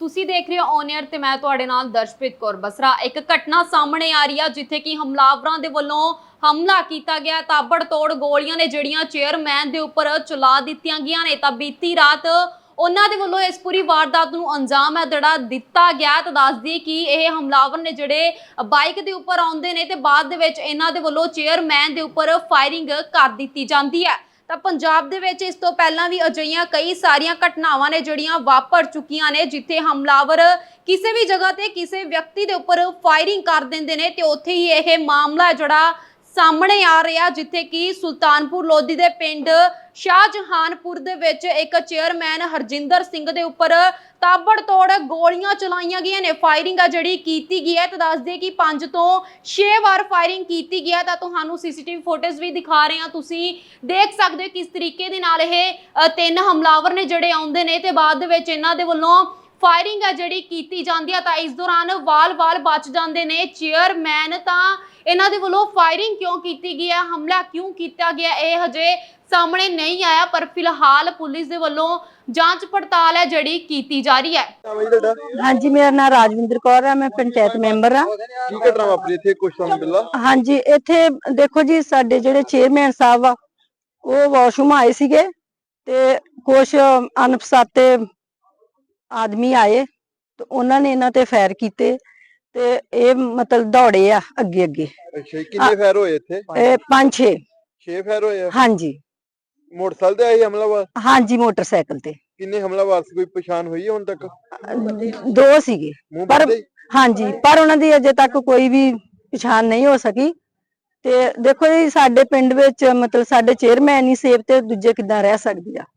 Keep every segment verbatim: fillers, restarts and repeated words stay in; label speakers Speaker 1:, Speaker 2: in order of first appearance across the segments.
Speaker 1: ਤੁਸੀਂ ਦੇਖ ਰਹੇ ਹੋ ਔਨ 에ਅਰ ਤੇ ਮੈਂ ਤੁਹਾਡੇ ਨਾਲ ਦਰਸ਼ਪ੍ਰੀਤ ਕੌਰ ਬਸਰਾ। ਇੱਕ ਘਟਨਾ ਸਾਹਮਣੇ ਆ ਰਹੀ ਆ ਜਿੱਥੇ ਕਿ ਹਮਲਾਵਰਾਂ ਦੇ ਵੱਲੋਂ ਹਮਲਾ ਕੀਤਾ ਗਿਆ। ਤਾਬੜਤੋੜ ਗੋਲੀਆਂ ਨੇ ਜਿਹੜੀਆਂ ਚੇਅਰਮੈਨ ਦੇ ਉੱਪਰ ਚਲਾ ਦਿੱਤੀਆਂ ਗਈਆਂ ਨੇ। ਤਾਂ ਬੀਤੀ ਰਾਤ ਉਹਨਾਂ ਦੇ ਵੱਲੋਂ ਇਸ ਪੂਰੀ ਵਾਰਦਾਤ ਨੂੰ ਅੰਜਾਮ ਹੈ ਜਿਹੜਾ ਦਿੱਤਾ ਗਿਆ। ਤਾਂ ਦੱਸ ਦਈਏ ਕਿ ਇਹ ਹਮਲਾਵਰ ਨੇ ਜਿਹੜੇ ਬਾਈਕ ਦੇ ਉੱਪਰ ਆਉਂਦੇ ਨੇ ਤੇ ਬਾਅਦ ਦੇ ਵਿੱਚ ਇਹਨਾਂ ਦੇ ਵੱਲੋਂ ਚੇਅਰਮੈਨ ਦੇ ਉੱਪਰ ਫਾਇਰਿੰਗ ਕਰ ਦਿੱਤੀ ਜਾਂਦੀ ਹੈ। ਤਾਂ ਪੰਜਾਬ ਦੇ ਵਿੱਚ ਇਸ ਤੋਂ ਪਹਿਲਾਂ ਵੀ ਅਜਿਹੀਆਂ ਕਈ ਸਾਰੀਆਂ ਘਟਨਾਵਾਂ ਨੇ ਜਿਹੜੀਆਂ ਵਾਪਰ ਚੁੱਕੀਆਂ ਨੇ ਜਿੱਥੇ ਹਮਲਾਵਰ ਕਿਸੇ ਵੀ ਜਗ੍ਹਾ ਤੇ ਕਿਸੇ ਵਿਅਕਤੀ ਦੇ ਉੱਪਰ ਫਾਇਰਿੰਗ ਕਰ ਦਿੰਦੇ ਨੇ ਤੇ ਉੱਥੇ ਹੀ ਇਹ ਮਾਮਲਾ ਜਿਹੜਾ ਸਾਹਮਣੇ ਆ ਰਿਹਾ ਜਿੱਥੇ ਕਿ ਸੁਲਤਾਨਪੁਰ ਲੋਧੀ ਦੇ ਪਿੰਡ ਸ਼ਾਹਜਹਾਨਪੁਰ ਦੇ ਵਿੱਚ ਇੱਕ ਚੇਅਰਮੈਨ ਹਰਜਿੰਦਰ ਸਿੰਘ ਦੇ ਉੱਪਰ ਤਾਬੜਤੋੜ ਗੋਲੀਆਂ ਚਲਾਈਆਂ ਗਈਆਂ ਨੇ। ਫਾਇਰਿੰਗ ਆ ਜਿਹੜੀ ਕੀਤੀ ਗਈ ਹੈ ਤਾਂ ਦੱਸ ਦੇ ਕਿ ਪੰਜ ਤੋਂ ਛੇ ਵਾਰ ਫਾਇਰਿੰਗ ਕੀਤੀ ਗਈ ਹੈ। ਤਾਂ ਤੁਹਾਨੂੰ ਸੀਸੀਟੀਵੀ ਫੁਟੇਜ ਵੀ ਦਿਖਾ ਰਹੇ ਹਾਂ, ਤੁਸੀਂ ਦੇਖ ਸਕਦੇ ਹੋ ਕਿਸ ਤਰੀਕੇ ਦੇ ਨਾਲ ਇਹ ਤਿੰਨ ਹਮਲਾਵਰ ਨੇ ਜਿਹੜੇ ਆਉਂਦੇ ਨੇ ਤੇ ਬਾਅਦ ਦੇ ਵਿੱਚ ਇਹਨਾਂ ਦੇ ਵੱਲੋਂ ਫਾਇਰਿੰਗ ਆ ਜਿਹੜੀ ਕੀਤੀ ਜਾਂਦੀ ਹੈ। ਤਾਂ ਇਸ ਦੌਰਾਨ ਵਾਲ-ਵਾਲ ਬਚ ਜਾਂਦੇ ਨੇ ਚੇਅਰਮੈਨ। ਤਾਂ ਇਹਨਾਂ ਦੇ ਵੱਲੋਂ ਫਾਇਰਿੰਗ ਕਿਉਂ ਕੀਤੀ ਗਈ ਹੈ, ਹਮਲਾ ਕਿਉਂ ਕੀਤਾ ਗਿਆ, ਇਹ ਹਜੇ ਸਾਹਮਣੇ ਨਹੀਂ ਆਇਆ, ਪਰ ਫਿਲਹਾਲ ਪੁਲਿਸ ਦੇ ਵੱਲੋਂ ਜਾਂਚ ਪੜਤਾਲ ਹੈ ਜਿਹੜੀ ਕੀਤੀ ਜਾ ਰਹੀ ਹੈ।
Speaker 2: हाँ जी, मेरा नाम राजविंदर कौर है, मैं पंचायत मैंबर हाँ।
Speaker 3: की घटना वापरी इत्थे कुछ समय पहला?
Speaker 2: हाँ जी, इत्थे देखो जी साडे जेडे चेयरमैन साहब आ वो वाशरूम आए सीगे ते कुछ अनपछाते आदमी आए तो उन्होंने ने इन्हां ते फायर कीते ते ये मतलब दौड़े आ अगे अगे।
Speaker 3: अच्छा, कितने फायर होए इत्थे?
Speaker 2: पांच छे
Speaker 3: छे फायर होए?
Speaker 2: हाँ जी।
Speaker 3: मोटरसाइकिल ते आए हमलावर?
Speaker 2: हाँ जी, मोटरसाइकिल ते।
Speaker 3: किन्ने हमलावर से कोई पहचान हुई है हुण तक?
Speaker 2: दो सीगे पर हाँ जी, पर उन्हां दी अजे तक कोई भी पहचान नहीं हो सकी। ते देखो जी साडे पिंड विच मतलब साडे चेयरमैन ही सेफ ते दूजे किदां रह सकदी आ।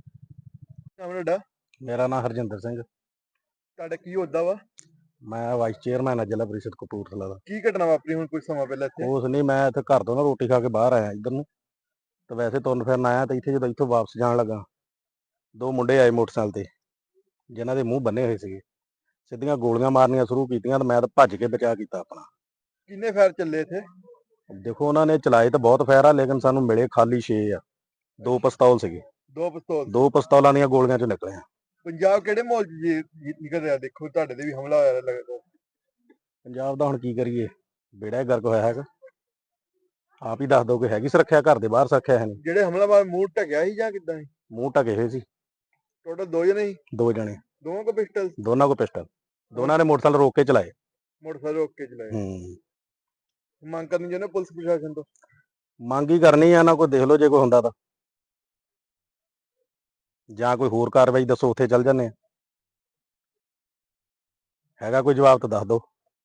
Speaker 3: नाम तुहाडा?
Speaker 4: मेरा नाम हरजिंदर सिंह।
Speaker 3: तुहाडा की होदा वा?
Speaker 4: मैं वाइस चेयरमैन है जिला परिषद कपूरथला दा।
Speaker 3: की घटना वापरी हुण कुछ समय पहला इत्थे?
Speaker 4: उस नहीं, मैं इत्थे घर तो ना रोटी खा के बाहर आया इधर नूं तो वैसे तुरन फिरन आया तो इत्थे जदों इत्थों वापस जाण लगा दो मुंडे आए मोटरसाइकिल ते जिन्हां दे मूंह बन्ने होए सीगे, सिद्धियां गोलियां मारनियां शुरू कीतियां ते मैं तां भज के बचा कीता अपना।
Speaker 3: किन्ने फायर चले इत्थे?
Speaker 4: देखो उन्होंने चलाए तो बहुत फायर आ लेकिन सानू मिले खाली छे आ। दो पिस्तौल सीगे,
Speaker 3: दो पिस्तौल?
Speaker 4: दो पिस्तौलां दीयां गोलियां चों निकले आ।
Speaker 3: पंजाब किहड़े माहौल च जी- जी- निकल रहा? देखो तुहाडे ते भी हमला होया लगदा।
Speaker 4: पंजाब दा हुण की करिए, बेड़ा ही गर्क होया हैगा। आप ही दस दो कि हैगी सुरक्षा, घर दे बाहर सुरक्षा है नहीं।
Speaker 3: ਜਿਹੜੇ ਹਮਲਾਵਰ ਮੂੰਹ ਢਕਿਆ ਸੀ ਜਾਂ ਕਿੱਦਾਂ ਸੀ?
Speaker 4: मूँह ढके हुए सी
Speaker 3: ਟੋਟਲ ਦੋ ਜਣੇ ਸੀ?
Speaker 4: दो जने,
Speaker 3: ਦੋਵਾਂ ਕੋ ਪਿਸਟਲ?
Speaker 4: दोनों को पिस्टल, दोनों ने मोटरसाइकिल रोक के चलाए।
Speaker 3: ਮੋਟਰਸਾਈਕਲ ਰੋਕ ਕੇ ਚਲਾਏ।
Speaker 4: हम्म
Speaker 3: ਮੰਗ ਕਰਨੀ ਚਾਹੁੰਦੇ ਪੁਲਿਸ ਪ੍ਰਸ਼ਾਸਨ ਤੋਂ?
Speaker 4: ਮੰਗ ਹੀ ਕਰਨੀ ਆ ਨਾ, ਕੋਈ ਦੇਖ ਲਓ ਜੇ ਕੋਈ ਹੁੰਦਾ ਤਾਂ, ਜਾਂ ਕੋਈ ਹੋਰ ਕਾਰਵਾਈ ਦੱਸੋ ਉੱਥੇ ਚੱਲ ਜਾਂਦੇ ਆ। ਹੈਗਾ ਕੋਈ ਜਵਾਬ ਤਾਂ ਦੱਸ ਦਿਓ,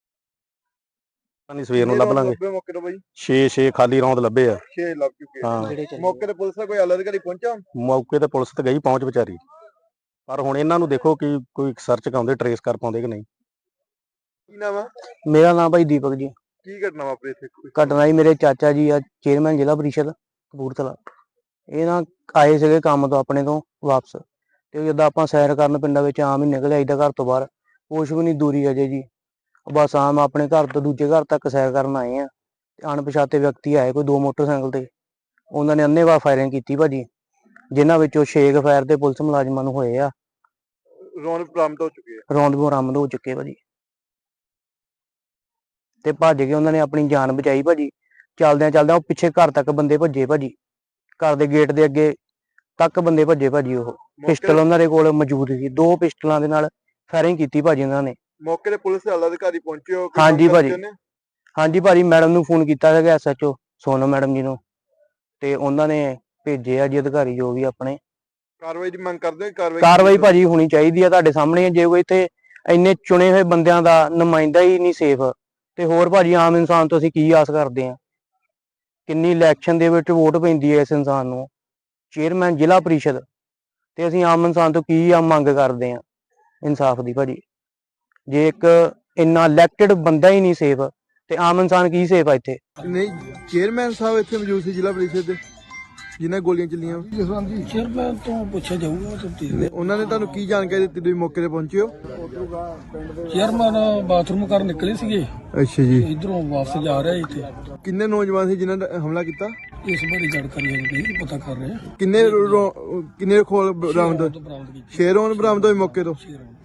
Speaker 4: ਨਹੀਂ ਸਵੇਰ ਨੂੰ ਲੱਭ ਲਾਂਗੇ।
Speaker 3: ਲੱਭੇ ਮੌਕੇ ਤੋਂ ਬਾਈ?
Speaker 4: ਛੇ ਛੇ ਖਾਲੀ ਰੌਂਦ ਲੱਭੇ ਆ।
Speaker 3: ਛੇ ਲੱਭ ਚੁੱਕੇ।
Speaker 4: ਹਾਂ,
Speaker 3: ਮੌਕੇ ਤੇ ਪੁਲਿਸ ਦਾ ਕੋਈ ਆਲਾ ਅਧਿਕਾਰੀ ਪਹੁੰਚਾ?
Speaker 4: ਮੌਕੇ ਤੇ ਪੁਲਿਸ ਤੇ ਗਈ ਪਹੁੰਚ ਵਿਚਾਰੀ, ਪਰ ਹੁਣ ਇਹਨਾਂ ਨੂੰ ਦੇਖੋ ਕਿ ਕੋਈ ਸਰਚ ਕਰਾਉਂਦੇ ਟਰੇਸ ਕਰ ਪਾਉਂਦੇ ਕਿ ਨਹੀਂ।
Speaker 3: ਕੀ ਨਾਮ ਆ?
Speaker 5: मेरा नाम भाई दीपक जी।
Speaker 3: ਕੀ ਘਟਨਾ ਵਾਪਰੀ ਇੱਥੇ?
Speaker 5: घटना जी मेरे चाचा जी आ चेयरमैन जिला परिषद कपूरथला, ਇਹ ਨਾ ਆਏ ਸੀਗੇ ਕੰਮ ਤੋਂ ਆਪਣੇ ਤੋਂ ਵਾਪਸ ਤੇ ਜਦੋਂ ਆਪਾਂ ਸੈਰ ਕਰਨ ਪਿੰਡਾਂ ਵਿੱਚ ਆਮ ਹੀ ਨਿਕਲ ਆਈਦਾ ਘਰ ਤੋਂ ਬਾਹਰ, ਕੁਛ ਵੀ ਨਹੀਂ ਦੂਰੀ ਅਜੇ ਜੀ, ਬਸ ਆਮ ਆਪਣੇ ਘਰ ਤੋਂ ਦੂਜੇ ਘਰ ਤੱਕ ਸੈਰ ਕਰਨ ਆਏ ਆ ਤੇ ਅਣਪਛਾਤੇ ਵਿਅਕਤੀ ਆਏ ਕੋਈ ਦੋ ਮੋਟਰਸਾਈਕਲ ਤੇ, ਉਹਨਾਂ ਨੇ ਅੰਨ੍ਹੇਵਾਹ ਫਾਇਰਿੰਗ ਕੀਤੀ ਭਾਜੀ, ਜਿਨ੍ਹਾਂ ਵਿੱਚੋਂ ਛੇ ਕੁ ਫਾਇਰ ਤੇ ਪੁਲਿਸ ਮੁਲਾਜ਼ਮਾਂ ਨੂੰ ਹੋਏ ਆ।
Speaker 3: ਰੌਂਦ ਬਰਾਮਦ ਹੋ ਚੁੱਕੀ ਹੈ?
Speaker 5: ਰੌਂਦ ਬਰਾਮਦ ਹੋ ਚੁੱਕੇ ਭਾਜੀ ਤੇ ਭੱਜ ਕੇ ਉਹਨਾਂ ਨੇ ਆਪਣੀ ਜਾਨ ਬਚਾਈ ਭਾਜੀ। ਚੱਲਦਿਆਂ ਚੱਲਦਿਆਂ ਉਹ ਪਿੱਛੇ ਘਰ ਤੱਕ ਬੰਦੇ ਭੱਜੇ ਭਾਜੀ, ਘਰ ਦੇ ਗੇਟ ਦੇ ਅੱਗੇ ਤੱਕ ਬੰਦੇ ਭੱਜੇ ਭਾਜੀ। ਉਹ ਪਿਸਟਲ ਉਹਨਾਂ ਦੇ ਕੋਲ ਮੌਜੂਦ ਸੀ, ਦੋ ਪਿਸਟਲਾਂ ਦੇ ਨਾਲ ਫਾਇਰਿੰਗ ਕੀਤੀ ਭਾਜੀ ਉਹਨਾਂ ਨੇ।
Speaker 3: ਮੌਕੇ ਤੇ ਪੁਲਿਸ ਦੇ ਆਲਾ ਅਧਿਕਾਰੀ ਪਹੁੰਚੇ ਹੋ? ਕੋਈ
Speaker 5: ਹਾਂਜੀ
Speaker 3: ਮੰਗ
Speaker 5: ਭਾਜੀ।
Speaker 3: ਕਰਦੇ ਨੇ?
Speaker 5: ਹਾਂਜੀ ਭਾਜੀ, ਮੈਡਮ ਨੂੰ ਫੋਨ ਕੀਤਾ ਸੀਗਾ S H O Sonam madam ji ਨੂੰ, ਤੇ ਉਹਨਾਂ ਨੇ ਭੇਜੇ ਆ ਜੀ ਅਧਿਕਾਰੀ ਜੋ ਵੀ ਆਪਣੇ।
Speaker 3: ਕਾਰਵਾਈ ਦੀ ਮੰਗ ਕਰਦੇ ਹੋ? ਕਾਰਵਾਈ
Speaker 5: ਕਾਰਵਾਈ ਭਾਜੀ ਹੋਣੀ ਚਾਹੀਦੀ ਆ, ਤੁਹਾਡੇ ਸਾਹਮਣੇ। ਜੇ ਕੋਈ ਇੱਥੇ ਇੰਨੇ ਚੁਣੇ ਹੋਏ ਬੰਦਿਆਂ ਦਾ ਨੁਮਾਇੰਦਾ ਹੀ ਨਹੀਂ ਸੇਫ ਤੇ ਹੋਰ ਭਾਜੀ ਆਮ ਇਨਸਾਨ ਤੋਂ ਅਸੀਂ ਕੀ ਆਸ ਕਰਦੇ ਆ? ਕਿੰਨੀ ਇਲੈਕਸ਼ਨ ਦੇ ਵਿੱਚ ਵੋਟ ਪੈਂਦੀ ਹੈ ਇਸ ਇਨਸਾਨ ਨੂੰ, ਚੇਅਰਮੈਨ ਜ਼ਿਲ੍ਹਾ ਪਰਿਸ਼ਦ, ਤੇ ਅਸੀਂ ਆਮ ਇਨਸਾਨ ਤੋਂ ਕੀ ਆ ਮੰਗ ਕਰਦੇ ਆ? ਇਨਸਾਫ ਦੀ ਭਾਜੀ। ਜੇ ਇੱਕ ਇੰਨਾ ਇਲੈਕਟਡ ਬੰਦਾ ਹੀ ਨਹੀਂ ਸੇਫ ਤੇ ਆਮ ਇਨਸਾਨ ਕੀ ਸੇਫ ਆ ਇੱਥੇ?
Speaker 3: ਨਹੀਂ, ਚੇਅਰਮੈਨ ਸਾਹਿਬ ਇੱਥੇ ਮੌਜੂਦ ਸੀ ਜ਼ਿਲ੍ਹਾ ਪਰਿਸ਼ਦ ਦੇ ਜਿਨ੍ਹਾਂ ਗੋਲੀਆਂ ਚੱਲੀਆਂ?
Speaker 6: ਚੇਅਰਮੈਨ ਤੋਂ ਪੁੱਛਿਆ ਜਾਊਗਾ ਤਫਤੀਸ਼।
Speaker 3: ਉਹਨਾਂ ਨੇ ਤੁਹਾਨੂੰ ਕੀ ਜਾਣਕਾਰੀ ਦਿੱਤੀ? ਤੁਸੀਂ ਮੌਕੇ ਤੇ ਪਹੁੰਚੇ ਹੋ?
Speaker 6: ਚੇਅਰਮੈਨ ਬਾਥਰੂਮ ਕਰਨ ਨਿਕਲੇ ਸੀਗੇ,
Speaker 3: ਅੱਛਾ ਜੀ।
Speaker 6: ਇਧਰੋਂ ਵਾਪਸ ਜਾ ਰਿਹਾ ਇੱਥੇ।
Speaker 3: ਕਿੰਨੇ ਨੌਜਵਾਨ ਸੀ ਜਿਨ੍ਹਾਂ ਨੇ ਹਮਲਾ ਕੀਤਾ?
Speaker 6: ਇਸ ਬਾਰੇ ਜਾਣਕਾਰੀ ਨਹੀਂ ਪਤਾ ਕਰ ਰਹੇ ਆ।
Speaker 3: ਕਿੰਨੇ ਰੌ- ਕਿੰਨੇ ਖੋਲ ਬਰਾਮਦ?
Speaker 6: ਬਰਾਮਦ ਕੀਤੀ
Speaker 3: ਛੇ ਰੌਂਦ ਬਰਾਮਦ ਹੋਏ ਮੌਕੇ ਤੋਂ?
Speaker 6: ਛੇ ਰੌਂਦ।